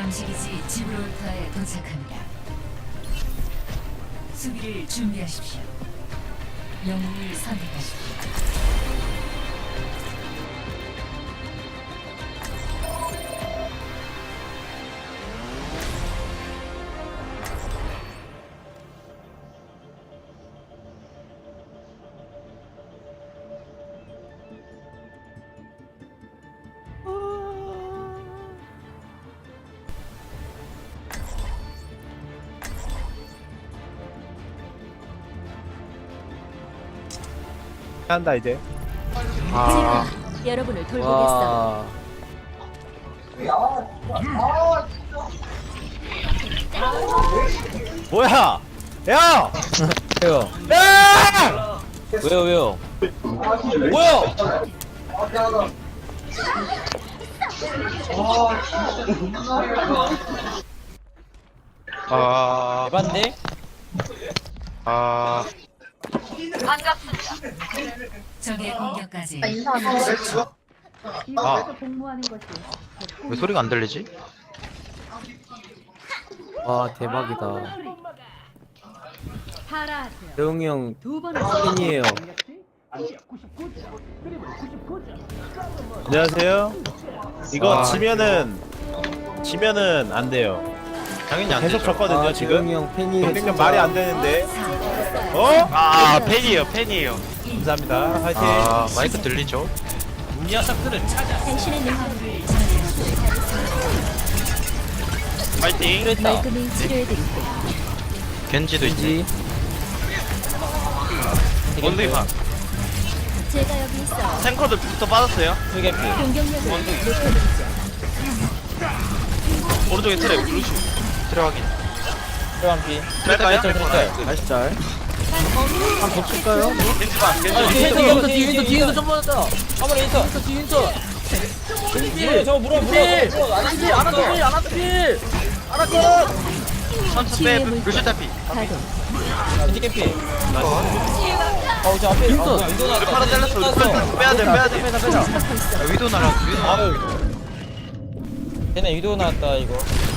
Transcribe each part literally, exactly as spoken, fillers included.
양식이지 지브롤터에 도착합니다. 수비를 준비하십시오. 영웅을 선택하십시오. 한다 이제. 아, 제가 여러분을 돌보겠어요. 와. 뭐야? 야! 왜요? 야! 왜요, 왜요? 뭐야? 아, 에반데? 아, 적의 공격까지 아. 왜 소리가 안 들리지? 와, 대박이다. 대웅이 형 팬이에요. 안녕하세요. 이거 아. 지면은 지면은 안 돼요. 당연히 안 계속 되죠. 졌거든요 아, 지금. 대웅이 형 팬이에요. 그러니까 말이 안 되는데. 어? 아, 팬이에요, 팬이에요. 감사합니다. 화이팅. 아, 마이크 들리죠? 당신의 능력을 파이팅. 그랬다. 말끔히 치료해드릴게요. 겐지도 있지. 원숭이 반. 제가 여기 있어. 탱커들 부터 빠졌어요. 수개피. 공격력을 높여드리죠. 오른쪽에 트랩, 루시. 트랩 확인. 트럼피. 뺄까요? 다시 짤. 한번 칠까요? 겐지 반, 겐지 아, 반. 뒤에 있어, 뒤에 있어, 뒤에 있어, 뒤에 있어, 좀 받았다. 한번에 있어. 뒤에 있어. 필, 저거 물어, 물어. 필, 아나필, 아나필, 아나필. 아나필. 천천 빼, 루시 타피. 가동. 겐지 캠피. 어, 저 앞에 있어. 우리 파라 잘랐어, 우리 파라 잘랐어. 빼야 돼, 빼야 돼. 빼자, 빼자. 야, 위도 날아, 위도 날아. 걔네 유도 나왔다, 이거.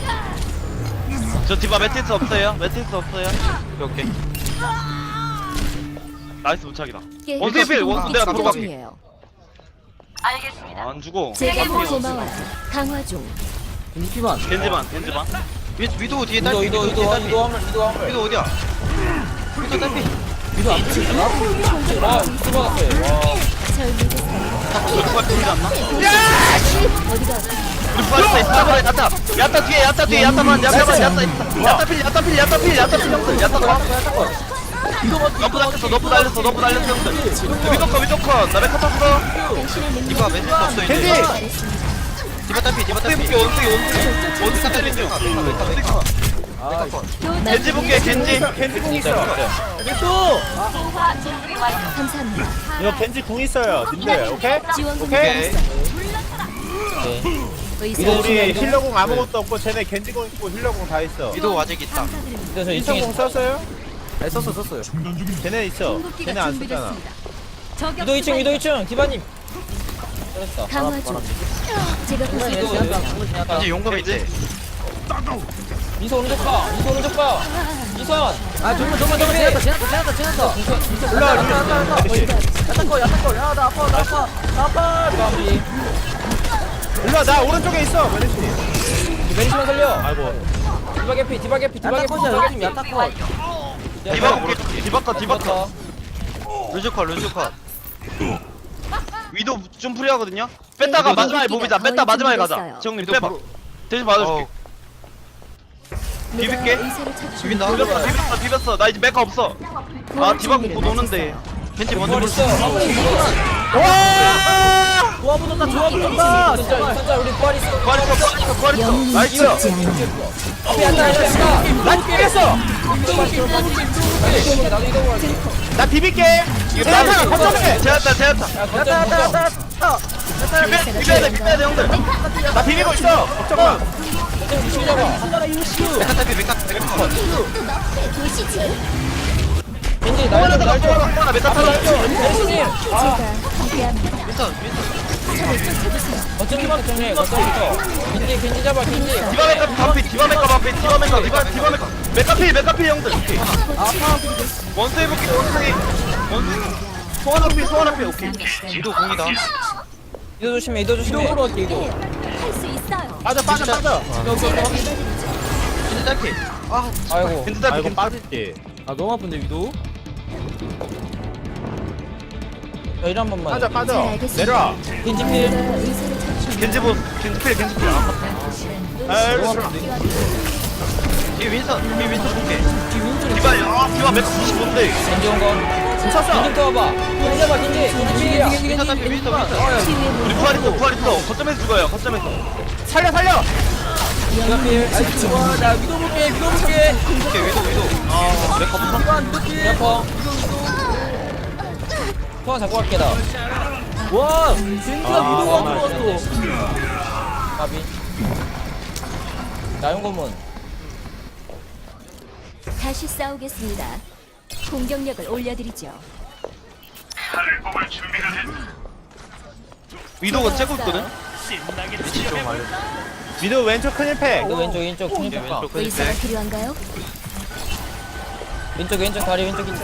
저 디바 매트리스 없어요? 매트리스 없어요? 오케이, 오케이. 나이스 무착이다. 원숭이 필, 원숭이 내가 치료 들어갈게. 중이에요. 안 죽어. 제가 고마워요. 강화 중. 겐지만. 겐지만, 겐지만. 위, 위도 뒤에 유도, 딸피, 유도, 유도, 딸피. 유도 화물, 유도 화물. 위도 어디야? 위도 딸피. 유도 안 붙이나? 아, 유도 받았어요. 와. 절 믿으세요. 누가 죽지 않나? 어디가 우리 빠졌어, 있어. 야타. 야타 뒤에, 야타 뒤에, 야타만, 야타만, 야타 있어. 야타 필, 야타 필, 야타 필, 야타 필 형들. 야타 봐. 너프 날렸어, 너프 날렸어, 너프 날렸어 형들. 위도 컷, 위도 컷. 나 메카 탔어. 당신의 능력을 디바 매트리스 없어 이제. 겐지! 디바 딸피, 디바 딸피. 원숭이, 원숭이, 원숭이 딸피 중. 원숭이 컷. 아, 겐지 볼게, 겐지. 겐지 궁 있어. 감사합니다. 이거 겐지 궁 있어요. 님들 오케이? 지원금 오케이. 네. 의사 이거 우리 힐러궁 아무것도 없고 쟤네 겐지궁 있고 힐러궁 다 있어. 위도 아직 있다. 근데 저 인성궁 이 층에 썼어요? 네, 썼어, 썼어요. 쟤네 있어. 쟤네 안 쓰잖아. 유도 이 층, 유도 이 층, 디바님. 잘했다. 강화 중. 제가 이거 보살펴 이제 용감 있지? 미소 오른쪽 가, 미소 오른쪽 가. 미선. 아, 정말 정말 정말 지났다, 지났다, 지났다, 지났다. 올라와, 올라와. 메르시. 야타 거, 야타 거, 야, 나 아파, 나 아파, 나 아파. 까비. 일로와, 나 오른쪽에 있어. 메르시. 메리시만 살려. 아이고. 디바 개피, 디바 개피, 디바 개피, 디바 개피, 야타 거. 디바 볼게. 디바 컷, 디바 컷. 루즈 컷, 루즈 컷. 위도 좀 프리하거든요? 뺐다가 마지막에 몹이다. 뺐다 마지막에 가자. 지영님 빼봐. 대신 맞아줄게. 비빌게. 의사를 찾으시 비빈다. 비볐어, 비볐어, 비볐어. 나 이제 메카 없어. 아, 디바 곧 오는데. 겐지 먼저 볼 수. 와! 좋아 붙었다, 좋아 붙었다. 진짜, 진짜 우리 부활 있어. 부활 있어, 부활 있어, 부활 있어. 영웅이 나이스. 죽지 않아. 앞에 앉아, 앉아, 앉아. 난 깨겠어. 나도 이거 할게. 나 비빌게. 제아타, 거점에. 제였다, 제였다. 야타, 야타, 야타, 야타. 비벼, 비벼야 돼, 비벼야 돼, 형들. 나 비비고 있어. 걱정 마. 미친 잡아. 메카 타피, 메카 타피, 메카 컷. 겐지 하나 날 더, 좀, 날 좀. 하나, 메카 타피. 메리시님. 제가 함께합니다. 윈터, 윈터. 어쩌기만 정리해 어쩌기부터 겐지 겐지 잡아 겐지 디바 메카 반피 디바 메카 반피 디바 메카 디바 디바 메카 메카필 메카필 형들 오케이 원세이 볼게 원세이 원세이 소환 앞필 소환 앞필 오케이 지도 공이다 이도 조심해 이도 조심해 이도로 할게 이도 할 수 있어요. 빠져 빠져 빠져. 겐지 짧게 아이고 겐지 짧게 아이고 겐지 빠질게. 아 너무 아픈데 위도 자 일 한 번만 빠져 잘 빠져. 알겠습니다. 내려와. 겐지 필 제가 의사를 찾습니다. 겐지 보 겐지 필 겐지 필 아 너무 여기 아픈데 뒤에 윈선 뒤에 윈선 볼게 디바 아 디바 메카 구십오인데 겐지 온거 쳤어. 겐지 또 와봐 겐지 잡아 겐지 겐지 필이야 윈선 딸피 윈선 윈선 치유의 우리 물. 부활 있어 부활 있어 거점에서 죽어요 거점에서 살려 살려. 이거 필 아이고 좋아 나 위도 볼게 위도 볼게 오케이 위도 위도 아 메카 무슨 이만 위도 필 야퍼 통화 잡고 갈게 나와 겐지가 아, 위도가 아, 들어왔어 가비 나용검은 다시 싸우겠습니다. 공격력을 올려드리죠. 위도가 째고 있거든 위치 좀 알려 미드 왼쪽 큰 일패. 이거 왼쪽 왼쪽 오케이 왼쪽 왼쪽 의사가 왼쪽 필요한가요? 왼쪽 왼쪽 다리 왼쪽 있죠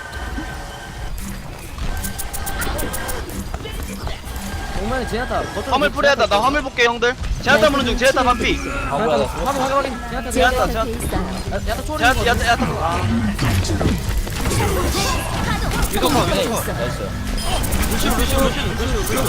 정말 지나다 화물 뿌려야다 나 화물 볼게 형들 제아타 무는 중 제아타 반피 아 뭐야 나 화면 확인 확인 지나다 제가 제한다, 곁에 있어요. 야타 초월이 제아타 야타 야타 아 위도 커 위도 커 나이스 루시우 루시우 루시우 루시우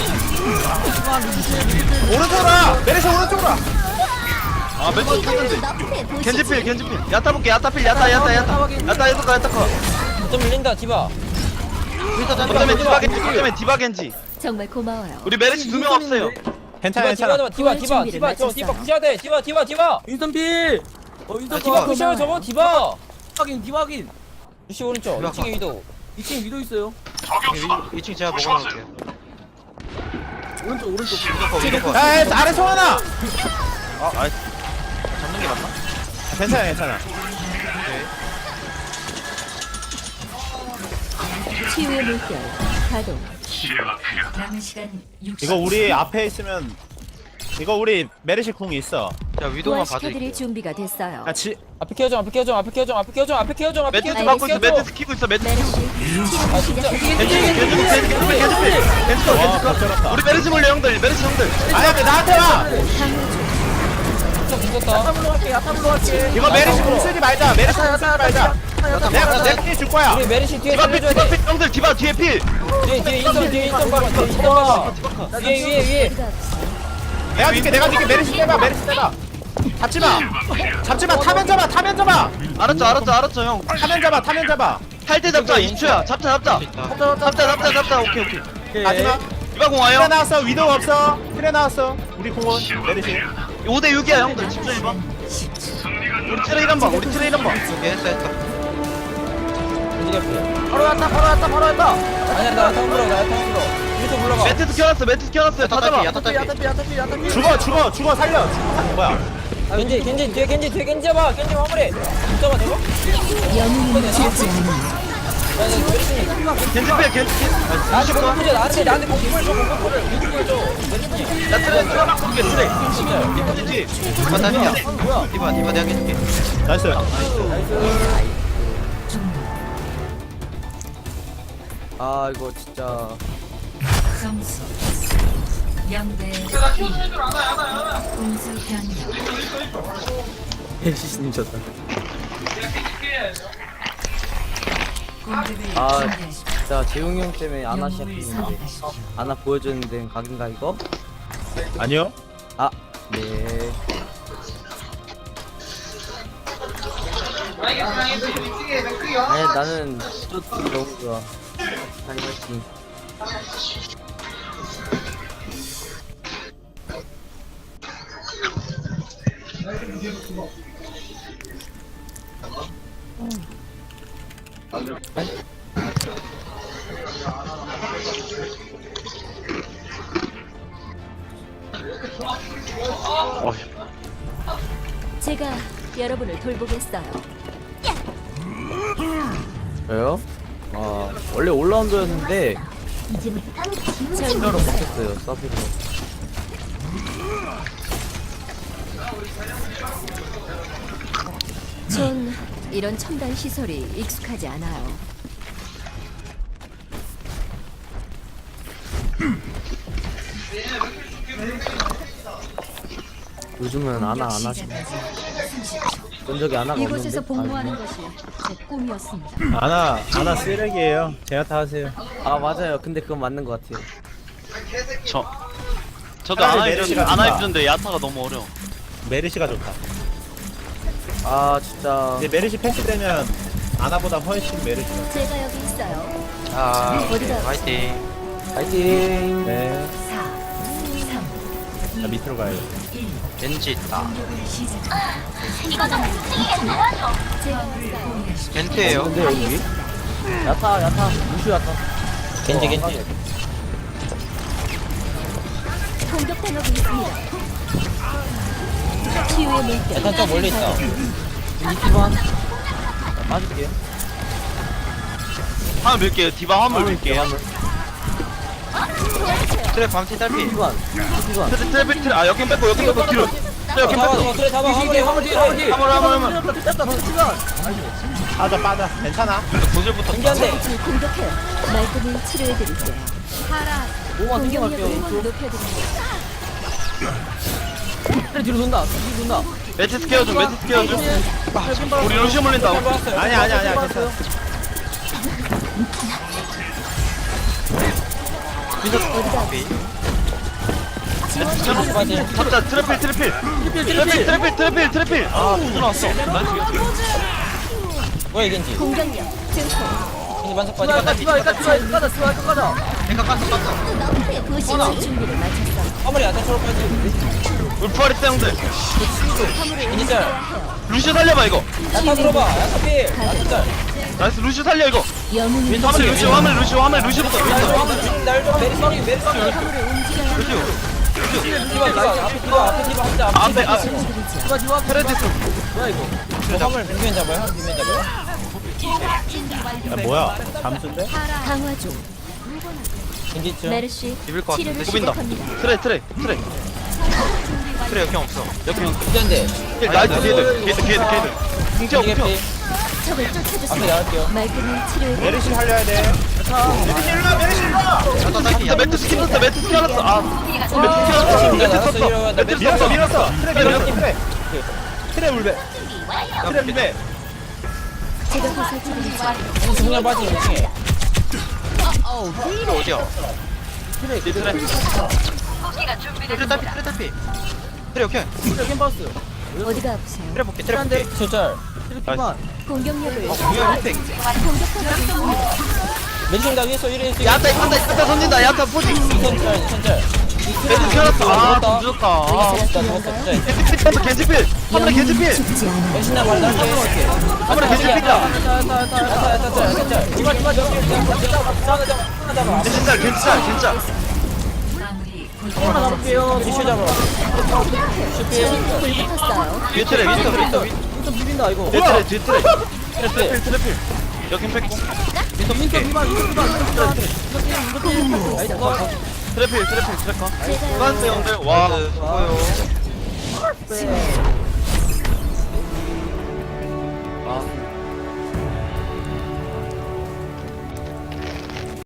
루시우 오른쪽으로. 메르시 오른쪽으로. 아 멘트 탔는데 너프에 보시지. 겐지필 겐지필 야타 볼게 야타필 야타 야타 야타 야타 야타 커 야타 커 좀 밀린다 디바 거점에 디바 겐지 거점에 디바 겐지 정말 고마워요. 우리 메르시 두 명 없어요 괜찮아 디바 괜찮아. 디바 디바 디바 준비를 디바 저 마쳤어요. 디바 부셔야 돼 디바 디바 디바 인턴 필 어, 인턴 아, 디바 디바. 부셔요 저거 디바 확인 디박인 루시 오른쪽 디바 이 층에 위도 이 층 위도 있어요. 이 층 제가 먹어놓을게요 오른쪽 오른쪽. 위도 커 위도 커 야 야, 아래 소환아. 아, 아이 잡는 게 맞나? 괜찮아 괜찮아. 치유의 물결 가동. 남은 시간 육십 이거 우리 앞에 있으면 이거 우리 메르시 궁이 있어. 자 위도만 부활시켜드릴 봐줄게요 준비가 됐어요. 야 지. 앞에 키워줘 앞에 키워줘 앞에 키워줘 앞에 키워줘 앞에 키워줘 앞에 매트스 키워줘 받고 있어 키워줘. 매트스 키고 있어 매트스 메르시 키고 치료 아 진짜 시작. 겐지 겐지 겐지 겐지 겐지 겐지 겐지 컷 와, 겐지 걱정했다. 컷 우리 메르시 몰래 형들 메르시 형들 아야 나한테 와. 진짜 붙었다 야타블로 할게 야타블로 할게. 이거 메르시 궁 쓰지 말자. 메르시 궁 쓰지 말자. 내가 내가 줄 거야. 우리 메르시 뒤에 디바 필 살려줘야 디바 돼 필 형들 디바 뒤에 필 뒤에 뒤에 인턴 뒤에 인턴 봐봐 뒤에 인턴 봐봐 위에 위에 위에 내가 줄게 내가 줄게. 메르시 떼봐 메르시 떼봐. 잡지 마. 잡지 마. 타면 잡아. 타면 잡아. 알았죠 알았죠 알았죠 형 타면 잡아. 타면 잡아. 탈 때 잡자 이십 초야 잡자 잡자 잡자 잡자 잡자 오케이 오케이 마지막. 디바 공 트레 와요 나왔어. 위도우 없어. 트레 나왔어. 우리 공원 메르시. 오 대 육이야 형들 집중해봐 우리 트레이 한방 우리 트레이 한방 오케이 했다 했다 겐지 앞에 바로 야타 바로 야타 바로 야타. 아니야 나 야타 물어 나 야타 물어 이리서 물러가 매트스 켜놨어 매트스 켜놨어요 다 잡아 야타피 야타피 야타피 야타피. 죽어 죽어 죽어 살려. 죽어. 뭐야? 아, 겐지 겐지 뒤에 겐지 뒤에 겐지 잡아 겐지 마무리 잡아 저거 영웅은 죽지 않아. 겐지 필 겐지 필 나한테 공부줘 나한테 나한테 공부를 줘 공부를 공부를 줘 나 트레이 트레이 막 부르게 트레이 진짜 겐지 디바 답이야 디바 디바 내가 해줄게 나이스. 아 이거 진짜. 점수 영대 이 공수 변경 헬시스님 졌다. 공격을 아 준비하십시오. 진짜 재웅이 형 때문에 아나 영웅을 시작했는데 선택하십시오. 아나 보여줬는데 각인가 이거? 아니요. 아 네. 아니 나는 또 너무 좋아. 아니 할지. 제가 여러분을 돌보겠어요. 저요? 아 원래 올라운드였는데 필요로 못했어요 서비로. 전 이런 첨단 시설이 익숙하지 않아요. 요즘은 아나 안 하시. 본 적이 아나가 없는데. 이곳에서 복무하는 것이 제 꿈이었습니다. 아나 아나 쓰레기예요. 제가 다 하세요. 아 맞아요. 근데 그건 맞는 것 같아요. 저 저도 차라리 안 메르시가 해주는데 안 좋다. 해주는데 야타가 너무 어려워. 메르시가 좋다. 아 진짜. 이제 메르시 패치 되면 아나보다 훨씬 메르시가. 제가 여기 있어요. 자, 어디가 화이팅. 파이팅. 네. 사, 삼, 나 밑으로 가요. 일. 겐지 있다. 공격을 시작합니다. 제가 있어요. 겐트예요. 근데 여기 야타 야타 무슈 야타. 겐지 겐지. 공격 당하고 있습니다. 치유의 물결. 약간 좀 멀리 있어. 이티만 빠질게. 화물 밀게요. 디바 화물 밀게요. 트랩 방치 딸피. 이티만 이티만. 트랩 트랩 트랩 아 여긴 뺐고 여긴 뺐고 뒤로. 트랩 여긴 잡아 뺐고. 잡아 그래 잡아 화물이 화물 뒤에 화물 뒤에. 화물 화물 화물. 됐다 시간. 빠져 빠져. 괜찮아. 도질부터. 겐지한테. 빛을 공격해요. 말끔히 치료해드릴게요. 오만 땡겨 갈게요. 공격력을 오른쪽. 높여드립니다. 그래 뒤로 돈다. 뒤로 돈다. 매트스 케어 좀 매트스 케어 좀. 우리 루시 물린다. 아니야 아니야 아니야. 괜찮아. 잡자 트래필 트래필. 트래필 트래필 트래필 트래필. 아 들어왔어. 뭐야 겐지. 공격력 증폭. 겐지 만석 디바 빠지. 디바 디바 디바 디바 가자 디바 가자. 내가 깠어 깠어. 부시지 준비를 마쳤어요. 화물이 야타처럼 빠지. 울프아리 땡들. 겐지 짤. 루시 살려봐 이거. 야타 들어봐. 야타 피. 야타 짤. 나이스 루시 살려 이거. 영웅이 화물 루시 화물 루시 화물 루시부터 루시. 날좀 메리서리 메리서리. 루시. 디바 디바 앞에 디바 앞에 디바 혼자 앞에 아 디바 디바 트레디스. 뭐야 이거? 뭐 화물 빈면 잡아요? 빈면 잡아요? 야 뭐야? 잠수인데? 강화 중. 겐지 쯤. 메르시 비빌 것 같은데. 치료를 고빈다. 시작합니다. 트레 트레 트레. 트레 역경 없어. 역경. 겐지한테. 나이스 게이드 게이드 게이드 게이드. 궁지어 겐지 궁지어. 개피. 적을 앞에 쫓아주세요. 나갈게요. 말끔히 치료해드립니다. 메르시 살려야 돼. 나 매트 스킨 썼어 매트 스킨 알았어. 아 매트 스킨 알았어. 매트 나갔어, 썼어. 이러면 나 매트 밀었어 썼어. 밀었어. 트랩 밀었어 트랩. 트랩 울베. 트랩 울베. 제가 보살펴드리죠. 중량 빠지 이 층에. 트레 어디야? 트레 트레. 트레 딸피 트레 딸피. 트레 오케이. 트레 캠퍼스. 어디가 아프세요? 트레 볼게 트레 볼게. 짤. 트레키만. 공격력을 공격 혜택. 공격하고 있습니다. 멘션 당했어 이래 있어. 야타 야타 야타 던진다 야타 포지. 이선 짤 이선 짤. 매트 스킨 알았어. 아 늦었다. 아 죽었다 죽었다 짤. 겐지필 겐지필. 하늘에 겐지필. 죽지 않아요. 멘신나 말 날게. 하늘에 겐지필이다. 야타 야타 야타. 야타 야타 짤 야타 짤. 디바 디바 저기 잡아 잡아 잡아 잡아 잡아. 겐지짤 겐지짤 겐지짤. 마무리. 하나 잡을게요. 지슈 잡아. 슈피. 불 붙었어요. 뒤에 트레 윈터 윈터 윈터 비빈다 이거. 뒤에 트레 뒤에 트레. 트래필 트래필. 여긴 뺐고. 윈터 윈터 비반 윈터 비반 윈터 비반. 나이스 거. 트래필 트래필 트래커. 제가 수고하세요 형들. 와 수고해요. 아